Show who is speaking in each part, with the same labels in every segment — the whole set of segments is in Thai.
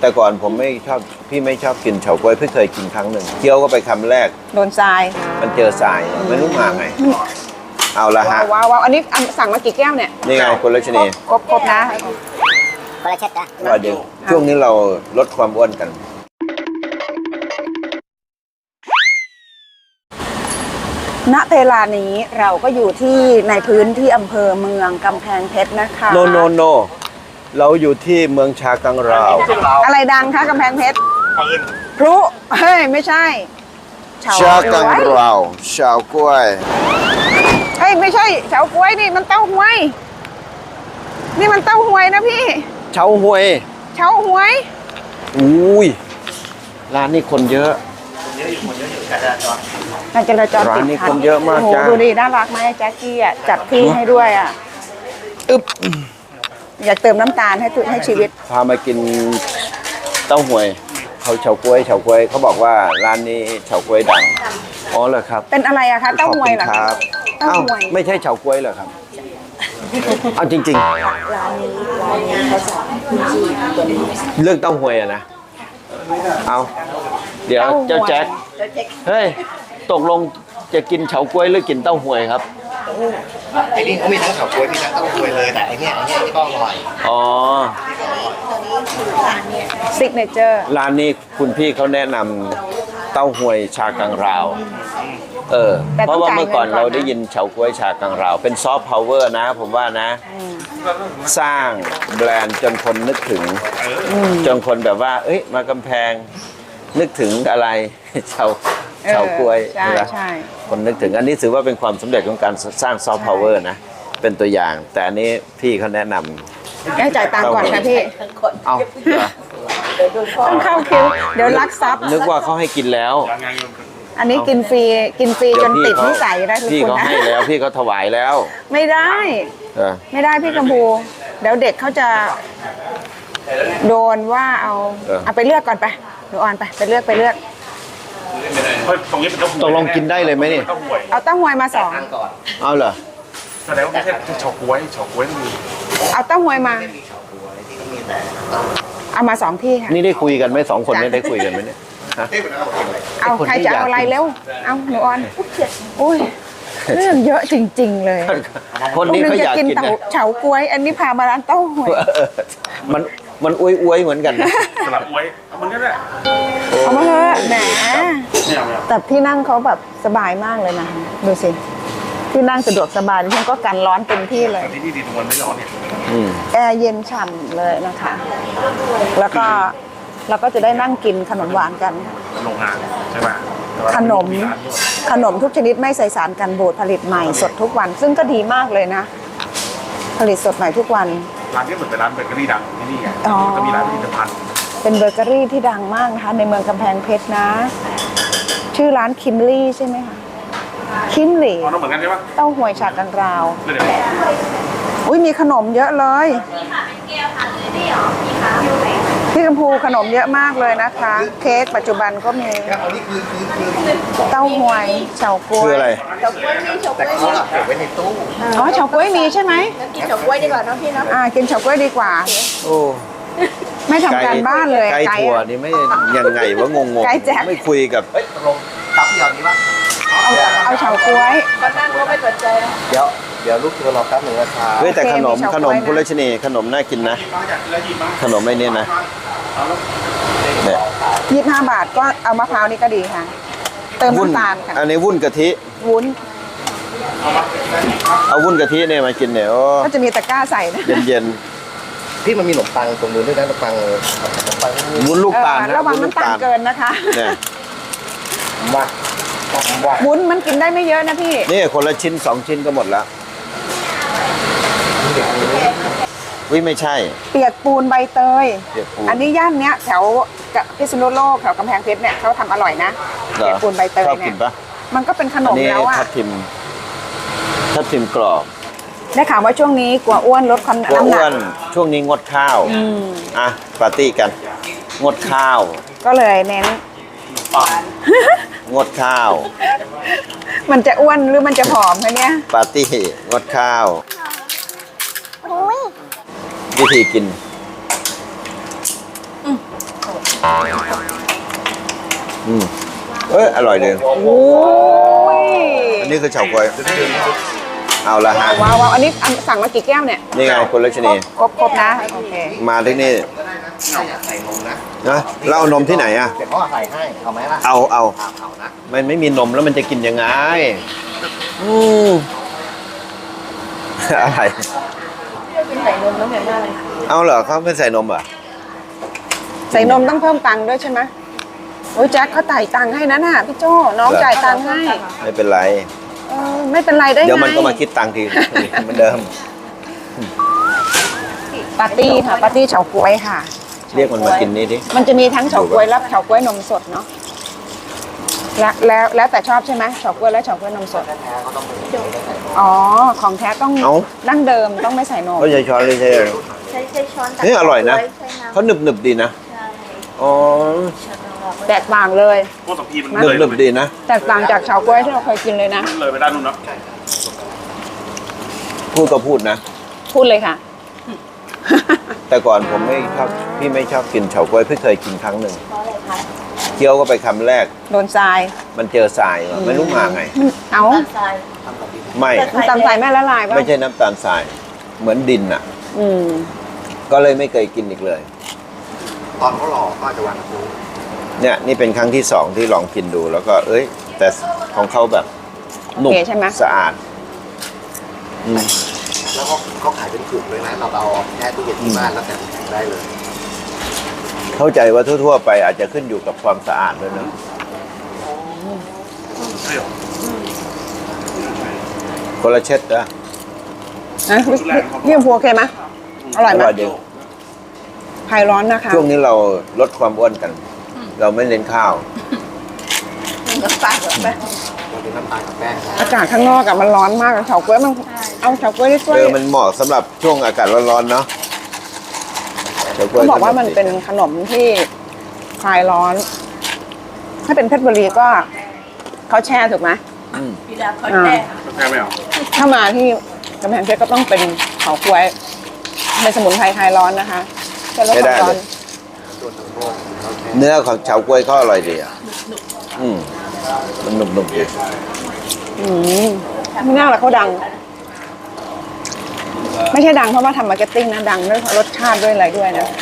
Speaker 1: แต่ก่อนผมไม่ชอบพี่ไม่ชอบกินเฉาก๊วยพี่เคยกินครั้งหนึ่งเคี้ยวก็ไปคำแรก
Speaker 2: โดนทราย
Speaker 1: มันเจอทรายไม่รู้มาไงเอาละฮะ
Speaker 2: ว้าวอันนี้สั่งมากี่แก้วเนี่ย
Speaker 1: นี่ไงคุณรัชนี
Speaker 2: ครบนะ
Speaker 3: คนละเช็ดนะ
Speaker 1: ว่าเดี๋ยวช่วงนี้เราลดความอ้วนกัน
Speaker 2: ณเวลานี้เราก็อยู่ที่ในพื้นที่อำเภอเมืองกำแพงเพชรนะคะ
Speaker 1: โนเราอยู่ที่เมืองชากังราว
Speaker 2: อะไรดังคะกำแพงเพชรพลุเฮ้ยไม่ใช่
Speaker 1: ชากังราวชาวกล้วย
Speaker 2: เฮ้ยไม่ใช่เฉาก๊วยนี่มันเต้าหวยนี่มันเต้าหวยนะพี่
Speaker 1: เฉาหวย
Speaker 2: เฉาหวย
Speaker 1: อุ้ยร้านนี้คนเยอะ
Speaker 2: การจราจร
Speaker 1: ร้า
Speaker 2: ติ
Speaker 1: น
Speaker 2: ด
Speaker 1: นี้
Speaker 2: ขั
Speaker 1: ค
Speaker 2: ด
Speaker 1: นเยอะมาก
Speaker 2: โอ้โห
Speaker 1: จ้า
Speaker 2: ดูดิน่ารักไหมแจ็คกี้อ่ะจัดที่ให้ด้วยอ่ะ
Speaker 1: อึ๊บ
Speaker 2: อยากเติมน้ำตาลให้ชีวิต
Speaker 1: พามากินเต้าหวยเขาเฉาก๊วยเขาบอกว่าร้านนี้เฉาก๊วยดังอ๋อเหรอครับ
Speaker 2: เป็นอะไรอะคะเต้าหวยเหรอ
Speaker 1: ขอบ
Speaker 2: คะ
Speaker 1: คุณครับ
Speaker 2: เต้าหวย
Speaker 1: ไม่ใช่เฉาก๊วยเหรอครับเอาจริงๆเรื่องเต้าหวยอะนะเอาเดี๋ยวเจ้าแจ็คเฮ้ยตกลงจะกินเฉาก๊วยหรือกินเต้าหวยครับ
Speaker 4: ไอ้นี่เขามีทั้งเฉาก๊วยมีทั้งเต้าหวยเลยแต่ไอ้เนี่ยที่ก็อร่อย
Speaker 1: อ๋อ
Speaker 2: ซิกเนเจอร์
Speaker 1: ร้านนี้คุณพี่เขาแนะนำเต้าหวยชากังราวเพราะว่าเมื่อก่อนเราได้ยินเฉาก๊วยชากังราว เป็นซอฟต์พาวเวอร์นะผมว่านะ สร้างแบรนด์จนคนนึกถึงจนคนแบบว่า เอ้ยมากำแพงนึกถึงอะไร เฉาก๊วย
Speaker 2: ใช่
Speaker 1: ไหม
Speaker 2: ใช่
Speaker 1: คนนึกถึงอันนี้ถือว่าเป็นความสำเร็จของการสร้างซอฟต์พาวเวอร์นะเป็นตัวอย่าง แต่อันนี้พี่เขาแนะนำ
Speaker 2: ได้จ่ายตังค์ก่อนค่ะพี่
Speaker 1: เอาเหรอ
Speaker 2: ต้องเข้าคิวเดี๋ยวลักทรัพย์
Speaker 1: นึกว่าเขาให้กินแล้ว
Speaker 2: อันนี้กินฟรีจนติดนิสัยได้ทุก
Speaker 1: พี่
Speaker 2: คน
Speaker 1: เขา
Speaker 2: นะ
Speaker 1: ให้แล้วพี่เขาถวายแล้ว
Speaker 2: ไม่ได้
Speaker 1: เออ
Speaker 2: ไม่ได้พี่กัมพูเดี๋ยวเด็กเขาจะโดนว่าเอาไปเลือกก่อนไปหนูออนไปเลือก
Speaker 4: ตรงนี้เป็นเต้าหวย
Speaker 1: ตกลงกินได้เลยไหมนี่
Speaker 4: เต้าหวย
Speaker 2: เอาเต้าหวยมาสอง
Speaker 1: เอาเหรอ
Speaker 4: แสดงว่าไม่ใช่เฉาก๊วยต้องมี
Speaker 2: เอาเต้าหวยมาเอามาสองที่ค่ะ
Speaker 1: นี่ได้คุยกันไหมสองคนนี้ได้คุยกันไหมเนี่ยฮะ
Speaker 2: เอา
Speaker 1: คนที่
Speaker 2: ใครจะเอาอะไร
Speaker 1: อยากกิน
Speaker 2: เร็วเอาหนูออนอุ้ยเรื่องเยอะจริง ๆ เลย
Speaker 1: คนนี้เขาอยากกินนะ
Speaker 2: เฉาก๊วย อันนี้พามาร้านเต้าหวย
Speaker 1: มันอวยเหมือนกันนะ
Speaker 4: สลับก๊วยเอามันก็ได้
Speaker 2: เอามาเถอะแหม
Speaker 4: เนี่ยเอา
Speaker 2: แต่ที่นั่งเขาแบบสบายมากเลยนะดูสิที่นั่งสะดวกสบายดิฉันก็กันร้อนเต็มที่เลย
Speaker 4: ที่นี่ดีตรงมันไม่ร้อนเนี่ย
Speaker 1: อืม
Speaker 2: แอร์เย็นฉ่ำเลยนะคะ แล้วก็เราก็จะได้นั่งกินขนมหวานกัน
Speaker 4: โรงงานใช่ไหม
Speaker 2: ขนมทุกชนิดไม่ใส่สารกันบูดผลิตใหม่สดทุกวัน ซึ่งก็ดีมากเลยนะ ผลิตสดใหม่ทุกวัน
Speaker 4: ร้านที่เหมือนเป็นร้านเบเกอรี่ดังที่นี่ไง
Speaker 2: อ๋อ
Speaker 4: ก็มีร้านผลิตภัณฑ์
Speaker 2: เป็นเบเกอรี่ที่ดังมากนะคะในเมืองกำแพงเพชรนะ ชื่อร้านคิมลี่ใช่ไหมคะคิมลี่
Speaker 4: อ๋อน้องเหมือนกันใช่ปะ
Speaker 2: เต้าหวยฉากกันราว
Speaker 4: เดี๋ยว
Speaker 2: อุ้ยมีขนมเยอะเลยพี่กัมพูขนมเยอะมากเลยนะคะ เค้กปัจจุบันก็มี
Speaker 4: อันนี้คือ
Speaker 2: เต้าหวยเฉาก๊วย
Speaker 1: คืออะไร
Speaker 4: แต่เขาเก็บไว้ในตู้
Speaker 2: อ๋อเฉาก๊วยมีใช่ไหม
Speaker 3: กินเฉาก๊วยดีกว่าน้องพี่เนาะ
Speaker 2: กินเฉาก๊วยดีกว่า
Speaker 1: โอ้
Speaker 2: ไม่ทำการบ้านเลย
Speaker 1: ไก่ถั่ว
Speaker 2: อะ
Speaker 1: นี่ไม่ยังไงวะงง
Speaker 2: ไก่แจ๊ค
Speaker 1: ไม่คุยกับ
Speaker 4: เฮ้ยตกลงตับเดียวนี้ปะ
Speaker 2: เอาเฉาก๊วย
Speaker 3: ก็นั่งก็ไม่สนใจ
Speaker 4: เดี๋ยวลูกเธอรอแป๊บหนึ่งนะครับ
Speaker 1: เฮ้ยแต่
Speaker 2: โอเค
Speaker 1: ขนม
Speaker 2: มีเฉาก๊วย
Speaker 1: ขนม
Speaker 2: นะ
Speaker 1: คุณรัชนีขนมน่ากินนะ
Speaker 4: มาจากแล้วหยิบมา
Speaker 1: ขนมไอ้นี่นะเนี่ย
Speaker 2: 25 บาทก็เอามะพร้าวนี่ก็ดีค่ะ เติม
Speaker 1: วุ้น
Speaker 2: น้ำตาลค่ะ
Speaker 1: อันนี้วุ้นกะทิ
Speaker 2: วุ้น
Speaker 1: เอาวุ้นกะทิเนี่ยมากินเนี่ยโอ้
Speaker 2: ก็จะมีตะกร้าใส่นะ
Speaker 1: เย็น
Speaker 4: พี่มันมีขนมปังตรงนู้นด้วยนะขนมปัง
Speaker 1: ๆวุ้นลูกตาล
Speaker 2: ระวัง
Speaker 1: วุ้
Speaker 2: น้ำตาลเกินนะคะ
Speaker 1: เนี่ย
Speaker 4: ว่า
Speaker 2: วุ้นมันกินได้ไม่เยอะนะพี่
Speaker 1: นี่คนละชิ้น2 ชิ้นก็หมดแล้ววิไม่ใช่
Speaker 2: เปียกปูนใบเตย
Speaker 1: เปียกปูน
Speaker 2: อันนี้ย่านเนี้ยแถวพิษณุโลกแถวกำแพงเพชรเนี่ยเขาทำอร่อยนะ
Speaker 1: เหรอ
Speaker 2: เปียกปูนใบเตย
Speaker 1: ชอบ
Speaker 2: เนี่
Speaker 1: กิ
Speaker 2: ย
Speaker 1: นปะ
Speaker 2: มันก็เป็นขน
Speaker 1: อัน
Speaker 2: ม
Speaker 1: นี้
Speaker 2: แล้วอ่ะ
Speaker 1: ทับทิมกรอบ
Speaker 2: ได้ข่าวว่าช่วงนี้กลัวอ้วนลดความ
Speaker 1: กลัว
Speaker 2: น้ำห
Speaker 1: อ้
Speaker 2: นั
Speaker 1: ว
Speaker 2: ก
Speaker 1: นช่วงนี้งดข้าวอ่ะปาร์ตี้กัน งดข้าว
Speaker 2: ก็เลยเน้น
Speaker 1: งดข้าว
Speaker 2: มันจะอ้วนหรือมันจะผอมคะเนี่ย
Speaker 1: ปาร์ตี้งดข้าว วิธีกินอร่อยเลย
Speaker 2: โอ้ย
Speaker 1: อันนี้คือเฉาก๊วยเอาละฮะ
Speaker 2: ว้าวว้าวอันนี้สั่งมากี่แก้วเนี่ย
Speaker 1: นี่ไงคุณรัชนี
Speaker 2: ครบนะ โอเค
Speaker 1: มาที่นี่
Speaker 4: ใส่นมนะ
Speaker 1: นะแล้วเอานมที่ไหนอ่ะ
Speaker 4: เดี๋ยวพ่อใส่ให้เอาไหมล่ะ
Speaker 1: เอา
Speaker 4: เอานะ
Speaker 1: มันไม่มีนมแล้วมันจะกินยังไงอะไร
Speaker 3: ใส่นมน้ำเหม็นมากเลย
Speaker 1: เอาเหรอเขาไม่ใส่นมเหรอ
Speaker 2: ใส่นมต้องเพิ่มตังค์ด้วยใช่ไหมโอ้ยแจ็คเขาจ่ายตังค์ให้นะน่ะพี่โจ้น้องจ่ายตังค์ให้
Speaker 1: ไม่เป็นไร
Speaker 2: ไม่เป็นไรได้ไง
Speaker 1: เดี๋ยวมันก็มาคิดตังค์ทีเหมือนเดิม
Speaker 2: ปาร์ตี้ค่ะปาร์ตี้เฉาก๊วยค่ะ
Speaker 1: เรียกมันมากินนี่ดิ
Speaker 2: มันจะมีทั้งเฉาก๊วยและเฉาก๊วยนมสดเนาะแล้วแต่ชอบใช่ไหมเฉาก๊วยและเฉาก๊วยนมสดอ๋อของแท้ต้องดั้งเดิมต้องไม่ใส่นม
Speaker 1: เขาใช้ช้อนเลยใช่
Speaker 3: ใช้ช้อนตัก
Speaker 1: นี่อร่อยนะ
Speaker 3: ใช้น้ำ
Speaker 1: เขาหนึบหนึบๆดีนะ อ๋อ
Speaker 2: แตกต่างเลย
Speaker 5: พวกสัมพีมัน
Speaker 1: หนึบหนึบๆดีนะ
Speaker 2: แตกต่างจากเฉาก๊วยที่เราเคยกินเลยนะ
Speaker 5: เลยไปด้านนู้นเนาะ
Speaker 1: พูดก็พูดนะ
Speaker 2: พูดเลยค่ะ
Speaker 1: แต่ก่อนผมไม่ชอบพี่ไม่ชอบกินเฉาก๊วยพี่เคยกินครั้งหนึ่งเคี้ยวก็ไปคำแรก
Speaker 2: โดนทราย
Speaker 1: มันเจอทรายว่ะไม่รู้มาไง
Speaker 2: เอา
Speaker 3: ทราย
Speaker 1: ไม่
Speaker 2: น้ำตาลทรายแม่ละลายป่ะ
Speaker 1: ไม่ใช่น้ำตาลทราย เหมือนดินอ่ะ
Speaker 2: อืม
Speaker 1: ก็เลยไม่เคยกินอีกเลย
Speaker 4: ตอนเขาหล่อก็อาจจะวางคู
Speaker 1: เนี่ยนี่เป็นครั้งที่สองที่ลองกินดูแล้วก็เอ้ย แต่ของเขาแบบนุ่ม
Speaker 2: โอเคใช่ไหม
Speaker 1: สะอาดอืม
Speaker 4: แล้วเขาขายเป็นถุงเลยนะเราเอาแค่ตู้เย็นที่บ้านแล้วแต่ถุงได้เลย
Speaker 1: เข้าใจว่าทั่วๆไปอาจจะขึ้นอยู่กับความสะอาดด้วยนะคนละเช็ดนะ
Speaker 2: นะพี่พูโอเคไหมอร่อยไหม
Speaker 1: อร่อยดี
Speaker 2: คลายร้อนนะคะ
Speaker 1: ช่วงนี้เราลดความอ้วนกัน เราไม่เน้นข้าว
Speaker 3: กับปลากับแป้ง
Speaker 4: เราเป็นน้ำตาลกับแป้งนะ
Speaker 2: อากาศข้างนอกอะมันร้อนมากเฉาก๊วยมันเอาเฉาก๊วยได้ช่วย
Speaker 1: มันเหมาะสำหรับช่วงอากาศร้อนๆเนาะเฉก๊
Speaker 2: เขาบอกว่ามันเป็นขนมที่คลายร้อน ถ้าเป็นเพชรบุรีก็เขาแช่ถูกไหม
Speaker 3: พี่ดาเขาแช่
Speaker 5: แพ้ไม่เอา
Speaker 2: ถ้ามาที่กำแพงเพชรก็ต้องเป็นเฉาก๊วยเป็นสมุนไพรคลายร้อนนะคะจะลดความร้อน
Speaker 4: ตัวทั้งโลกเขาแค่
Speaker 1: เนื้อของเฉาก๊วยเขาอร่อยดีอ่ะมันหนุบๆดี
Speaker 2: ไม่น่าละเขาดัง ไม่ใช่ดังเพราะว่าทำมาร์เก็ตติ้งนะดังด้วยรสชาติด้วยอะไรด้วยนะ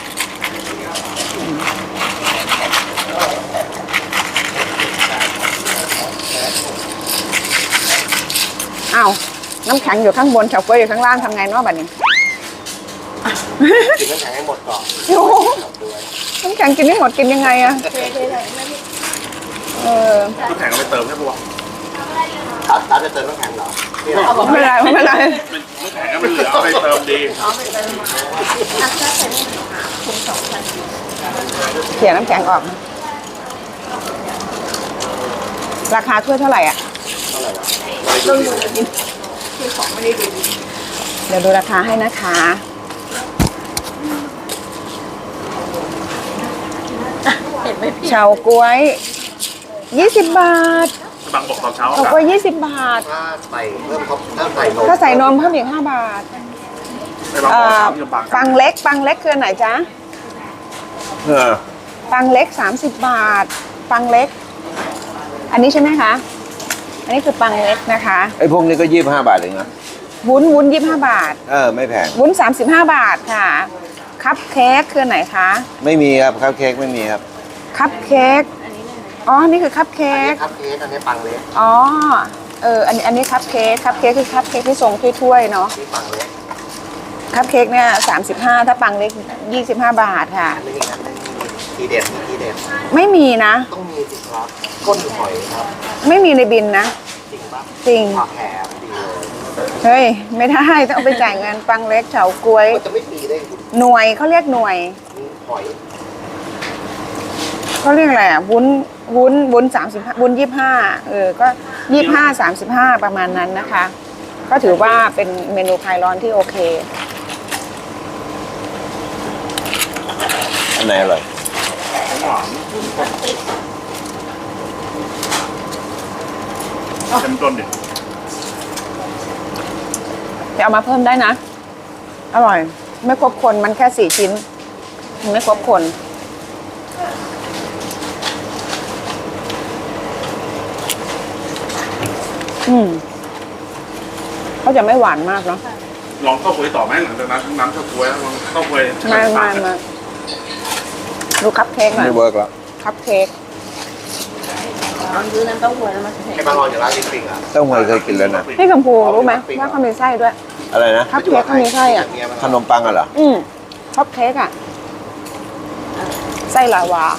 Speaker 2: อ้าวน้ำแข็งอยู่ข้างบนเฉาก๊วยอยู่ข้างล่างทำไงเนาะบัดนี้
Speaker 4: กินน้ำแข็งให้หมดก่อน
Speaker 2: โอ้โหน้ำแข็งกินไม่หมดกินยังไงอะ
Speaker 3: เทใส่ไม่พี่
Speaker 2: เออ
Speaker 5: น้ำแข็งเอาไปเติมใช่ปะวะ
Speaker 4: ตาจะเติมน้ำแข็งเหรอ
Speaker 2: ไม่เป็นไรไม่เป็นไร
Speaker 5: น้ำแข็งก็มันเหลือเอาไปเติมดี
Speaker 2: เขี่ยน้ำแข็งออก ราคาถ้วยเท่าไหร่อ่ะ
Speaker 3: ต้องดูดิคือของไม่ได้ดี
Speaker 2: เดี๋ยวดูราคาให้นะคะ
Speaker 3: เห็นไหมพี่
Speaker 2: เฉาก๊วย 20 บาท
Speaker 5: บางบอกตอนเช้า
Speaker 2: เฉาก๊วย20 บาท
Speaker 4: ถ้าใส่เพิ่มถ้าใส่นม
Speaker 2: ถ้าใส่นมเพิ่มอีก5 บาท
Speaker 5: ไปบางบอกเช้าที่ลำปาง
Speaker 2: ปังเล็กคืออนไหนจ๊ะ
Speaker 1: เออ
Speaker 2: ปังเล็ก30 บาท ปังเล็ก อันนี้ใช่ไหมคะ อันนี้คือปังเล็กนะคะ
Speaker 1: ไอ้พวกนี้ก็25 บาทเองนะ
Speaker 2: วุ้น25 บาท
Speaker 1: ไม่แพง
Speaker 2: วุ้น35 บาทค่ะ คัพเค้กคืออนไหนคะ
Speaker 1: ไม่มีครับข้าวเค้กไม่มีครับ
Speaker 2: คัพเค้ก อ๋อ นี่คือคัพเค้
Speaker 4: อัน
Speaker 2: ก
Speaker 4: นี้ครับเค้กอันนี้ปังเล็ก
Speaker 2: อ๋อ อันนี้คัพเค้ก คัพเค้กคือคัพเค้กที่ทรงถ้วยๆเนาะ
Speaker 4: นี่ปังเล็ก
Speaker 2: คัพเค้กเนี่ย35 ถ้าปังเล็ก25 บาทค่ะ
Speaker 4: อันนี้อันนี้ทีเด็ดทีเด็ด
Speaker 2: ไม่มีนะ
Speaker 4: ต้องมีสิครับก้นหอยครับ
Speaker 2: ไม่มีในบินนะ
Speaker 4: จริงปะ
Speaker 2: จริง
Speaker 4: ผักแหมดีเลย
Speaker 2: เฮ้ย ไม่ได้ต้องเอาไปจ่ายเงินปังเล็กเฉาก๊วย
Speaker 4: มันจะไม่มีได้คุณ
Speaker 2: หน่วยเขาเรียกหน่วย
Speaker 4: หอย
Speaker 2: เขาเรียกอะไรอ่ะวุ้น35วุ้น25ก็25 35ประมาณนั้นนะคะ ก็ถือว่าเป็นเมนูคลายร้อนที่โอเค
Speaker 1: อันไหนอร่อย
Speaker 5: หวานเต็มต้นดิ
Speaker 2: จะเอามาเพิ่มได้นะ อร่อย ไม่ครบคนมันแค่4 ชิ้นมันไม่ครบคนเขาจะไม่หวานมากเนาะ
Speaker 5: ลองข้าวกล้วยต่อไหมหลังจากนั้นน้ำข้าวกล้วยลองข้าวกล้วย
Speaker 2: มาดูคัพเค้กหน่อย
Speaker 1: ไม่เวิร์กแล้ว
Speaker 2: คัพเค้ก
Speaker 3: เอาซื้อน้ำเต้าหู้แล้วมาใส่
Speaker 4: ไอ้บางรอนอยู่ร้านปิ๊งอ่ะ
Speaker 1: เต้าหวยเคยกินแล้วนะ
Speaker 2: พี่กัมพูรู้ไหมว่าเขามีไส้ด้วย
Speaker 1: อะไรนะ
Speaker 2: คัพเค้กเขามีไส้อ่ะ
Speaker 1: ขนมปังอะเหรอ
Speaker 2: คัพเค้กอ่ะไส้ลาวา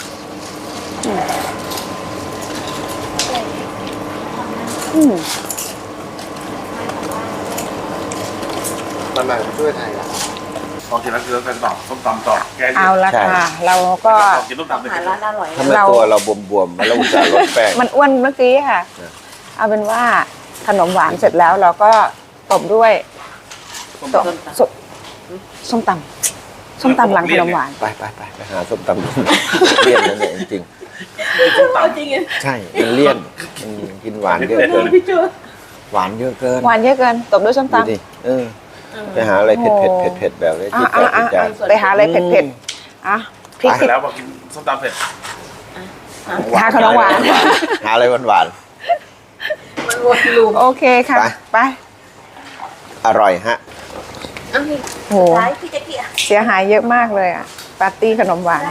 Speaker 2: อืม
Speaker 4: มันมาช่วยไทยอ่ะ
Speaker 5: ลองกินแล้วคือกันต่อส้มตำต่อแกง
Speaker 2: เอาละค่ะ เราก็
Speaker 5: กินส้มตำเลย
Speaker 3: หาร้านอร่อย
Speaker 1: ทำไมตัวเราบวมๆมาแล้วอุตส่าห์ลดแป้ง
Speaker 2: มันอ้วนเมื่อกี้ค่ะ เอาเป็นว่าขนมหวานเสร็จแล้วเราก็ตบด้วยส้มตำส้มตำหลังขนมหวาน
Speaker 1: ไปหาส้มตำเลี่ยนนั่นเองจริง
Speaker 5: ส้มตำ
Speaker 3: จริง
Speaker 1: ใช่มันเลี่ยนมันกินหวานเยอะเกิน
Speaker 3: พี่เจอ
Speaker 1: หวานเยอะเกิน
Speaker 2: หวานเยอะเกินตบด้วยส้ม
Speaker 1: ดู
Speaker 2: ตำ
Speaker 1: ดิไปหาอะไรเผ็ดแบบนี้ที่แปลกจาน
Speaker 2: ไปหาอะไรเผ็ดๆอ่ะพริก
Speaker 5: เสร็จแล้วพอกินส้มตำเสร็จ
Speaker 2: หาขนมหวาน
Speaker 1: หาอะไรหวาน
Speaker 3: มันวนลูป
Speaker 2: โอเคค่ะ ไป
Speaker 1: ๆอร่อยฮะ
Speaker 3: อันนี้
Speaker 2: โห
Speaker 3: ร้ายพี่แจ๊กกี้อ่ะ
Speaker 2: เสียหายเยอะมากเลยอ่ะ ปาร์ตี้ขนมหวาน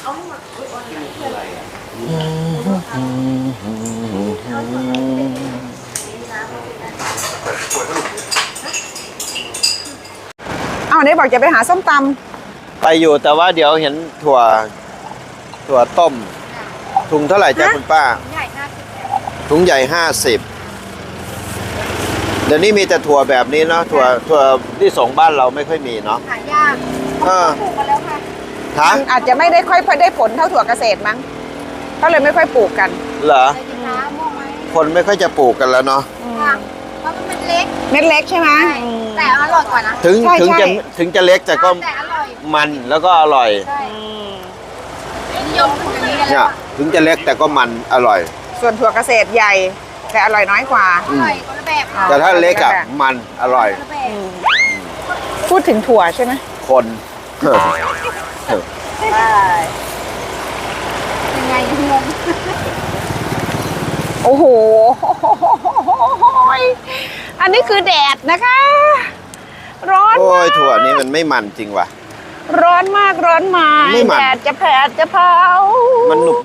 Speaker 2: เอาเนี่ยบอกจะไปหาส้มต
Speaker 1: ไปอยู่แต่ว่าเดี๋ยวเห็นถั่วต้ม ถุงเท่าไหร่จ้าคุณป้า ถุงใหญ่ 50 เดี๋ยวนี้มีแต่ถั่วแบบนี้เนาะถั่วที่ส่งบ้านเราไม่ค่อยมีเนาะ
Speaker 3: หายาก
Speaker 1: เออ
Speaker 3: ปลูกมาแล้วค่ะ
Speaker 2: ำ
Speaker 1: ฮะ
Speaker 2: มันอาจจะไม่ได้ค่อยได้ผลเท่าถั่วเกษตรมั้งก็เลยไม่ค่อยปลูกกัน
Speaker 1: เหรอ
Speaker 3: อะไรดีคะม่วงไหม
Speaker 1: คนไม่ค่อยจะปลูกกันแล้วเนาะ
Speaker 3: ค่ะเพราะมันเล็ก
Speaker 2: เม็ดเล็กใช่ไหม
Speaker 3: แต่อร่อยกว่านะ
Speaker 1: ถึง
Speaker 2: ใช่
Speaker 1: ถึง
Speaker 2: ใช่
Speaker 1: จะถึงจะเล็กแต่ก็
Speaker 3: แต่อร่อย
Speaker 1: มันแล้วก็อร่อย
Speaker 3: ใช่นิยมปลูกอย่างนี้กัน
Speaker 1: เนี่
Speaker 3: แล้
Speaker 1: ยว ถึงจะเล็กแต่ก็มันอร่อย
Speaker 2: ส่วนถั่วเกษตรใหญ่ แต่อร่อยน้อยกว่า
Speaker 3: อร่อยคนละแบบค่ะ
Speaker 1: แต่ถ้าเล็กอ่ะมันอร่อย
Speaker 3: คนละแบบ
Speaker 2: พูดถึงถั่วใช่ไหม
Speaker 1: คน
Speaker 3: ใช่ยังไงงง
Speaker 2: โอ้โห อันนี้คือแดดนะคะ ร้อน
Speaker 1: โอ้
Speaker 2: มาย ก
Speaker 1: ถั่วนี้มันไม่มันจริงว่ะ
Speaker 2: ร้อนมากร้อนมาก
Speaker 1: ไม่มัน
Speaker 2: แดดจะแผดจะเผา
Speaker 1: มันหนุบ